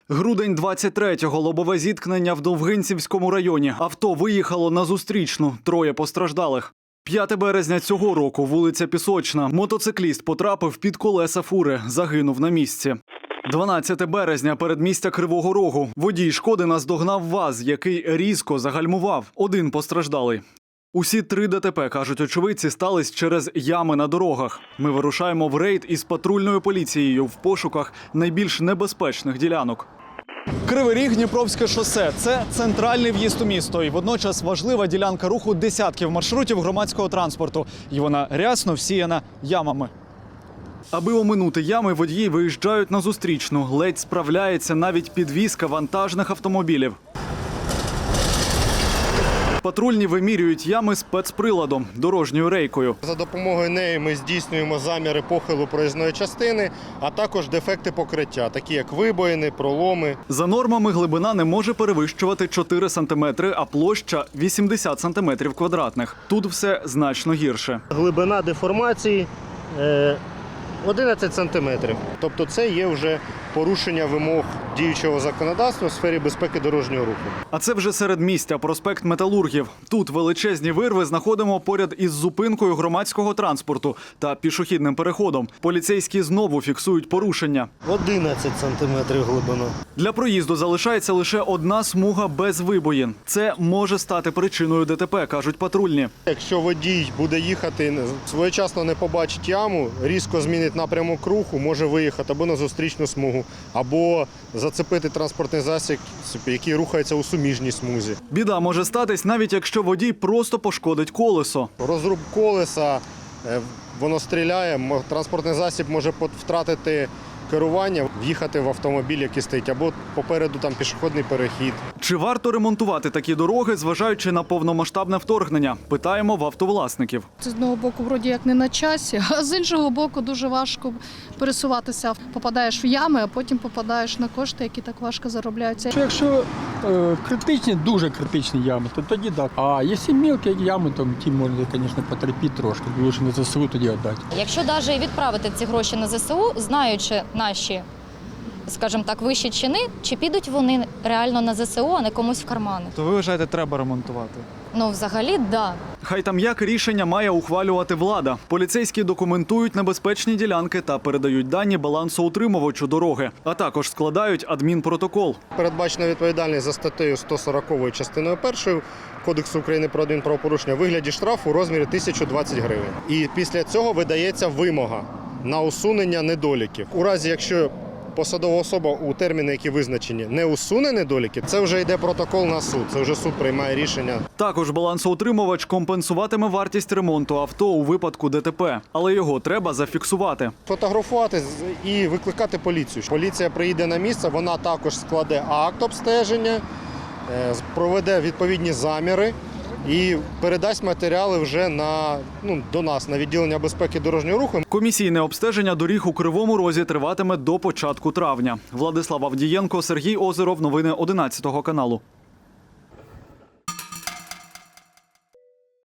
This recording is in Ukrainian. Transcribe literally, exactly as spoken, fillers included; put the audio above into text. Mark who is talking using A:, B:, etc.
A: Грудень двадцять третього. Лобове зіткнення в Довгинцівському районі. Авто виїхало на зустрічну. Троє постраждалих. п'яте березня цього року. Вулиця Пісочна. Мотоцикліст потрапив під колеса фури. Загинув на місці. дванадцяте березня. Передмістя Кривого Рогу. Водій «Шкоди» наздогнав ВАЗ, який різко загальмував. Один постраждалий. Усі три ДТП, кажуть очевидці, стались через ями на дорогах. Ми вирушаємо в рейд із патрульною поліцією в пошуках найбільш небезпечних ділянок. Кривий Ріг, Дніпровське шосе – це центральний в'їзд у місто і водночас важлива ділянка руху десятків маршрутів громадського транспорту. І вона рясно всіяна ямами. Аби оминути ями, водії виїжджають на зустрічну. Ледь справляється навіть підвізка вантажних автомобілів. Патрульні вимірюють ями спецприладом – дорожньою рейкою.
B: За допомогою неї ми здійснюємо заміри похилу проїзної частини, а також дефекти покриття, такі як вибоїни, проломи.
A: За нормами глибина не може перевищувати чотири сантиметри, а площа – вісімдесят сантиметрів квадратних. Тут все значно гірше.
B: Глибина деформації е, одинадцять сантиметрів. Тобто це є вже порушення вимог діючого законодавства у сфері безпеки дорожнього руху.
A: А це вже середмістя, проспект Металургів. Тут величезні вирви знаходимо поряд із зупинкою громадського транспорту та пішохідним переходом. Поліцейські знову фіксують порушення.
B: одинадцять сантиметрів глибина.
A: Для проїзду залишається лише одна смуга без вибоїн. Це може стати причиною ДТП, кажуть патрульні.
B: Якщо водій буде їхати, своєчасно не побачить яму, різко змінить напрямок руху, може виїхати або на зустрічну смугу, або зацепити транспортний засіб, який рухається у суміжній смузі.
A: Біда може статись навіть якщо водій просто пошкодить колесо.
B: Розруб колеса, е, воно стріляє, мо- транспортний засіб може пот- втратити керування, в'їхати в автомобіль, який стоїть, або попереду там пішохідний перехід.
A: Чи варто ремонтувати такі дороги, зважаючи на повномасштабне вторгнення? Питаємо в автовласників.
C: З одного боку, вроді як не на часі, а з іншого боку, дуже важко пересуватися. Попадаєш в ями, а потім попадаєш на кошти, які так важко заробляються.
D: Що Якщо е, критичні, дуже критичні ями, то тоді так. А якщо мілкі ями, то ті можна, звісно, потерпіти трошки. Лучше на ЗСУ тоді віддати.
E: Якщо навіть відправити ці гроші на ЗСУ, знаючи наші, скажімо так, вищі чини, чи підуть вони реально на ЗСУ, а не комусь в кармани?
A: То ви вважаєте, треба ремонтувати?
E: Ну, взагалі, да.
A: Хай там як рішення має ухвалювати влада. Поліцейські документують небезпечні ділянки та передають дані балансоутримувачу дороги, а також складають адмінпротокол.
B: Передбачена відповідальність за статтею сто сорок частиною першою Кодексу України про адмінправопорушення у вигляді штрафу у розмірі тисяча двадцять гривень. І після цього видається вимога на усунення недоліків. У разі, якщо посадова особа у терміни, які визначені, не усуне недоліки, це вже йде протокол на суд, це вже суд приймає рішення.
A: Також балансоутримувач компенсуватиме вартість ремонту авто у випадку ДТП, але його треба зафіксувати.
B: Фотографувати з- і викликати поліцію. Поліція приїде на місце, вона також складе акт обстеження, е, проведе відповідні заміри і передасть матеріали вже на, ну, до нас, на відділення безпеки дорожнього руху.
A: Комісійне обстеження доріг у Кривому Розі триватиме до початку травня. Владислав Авдієнко, Сергій Озеров. Новини одинадцятого каналу.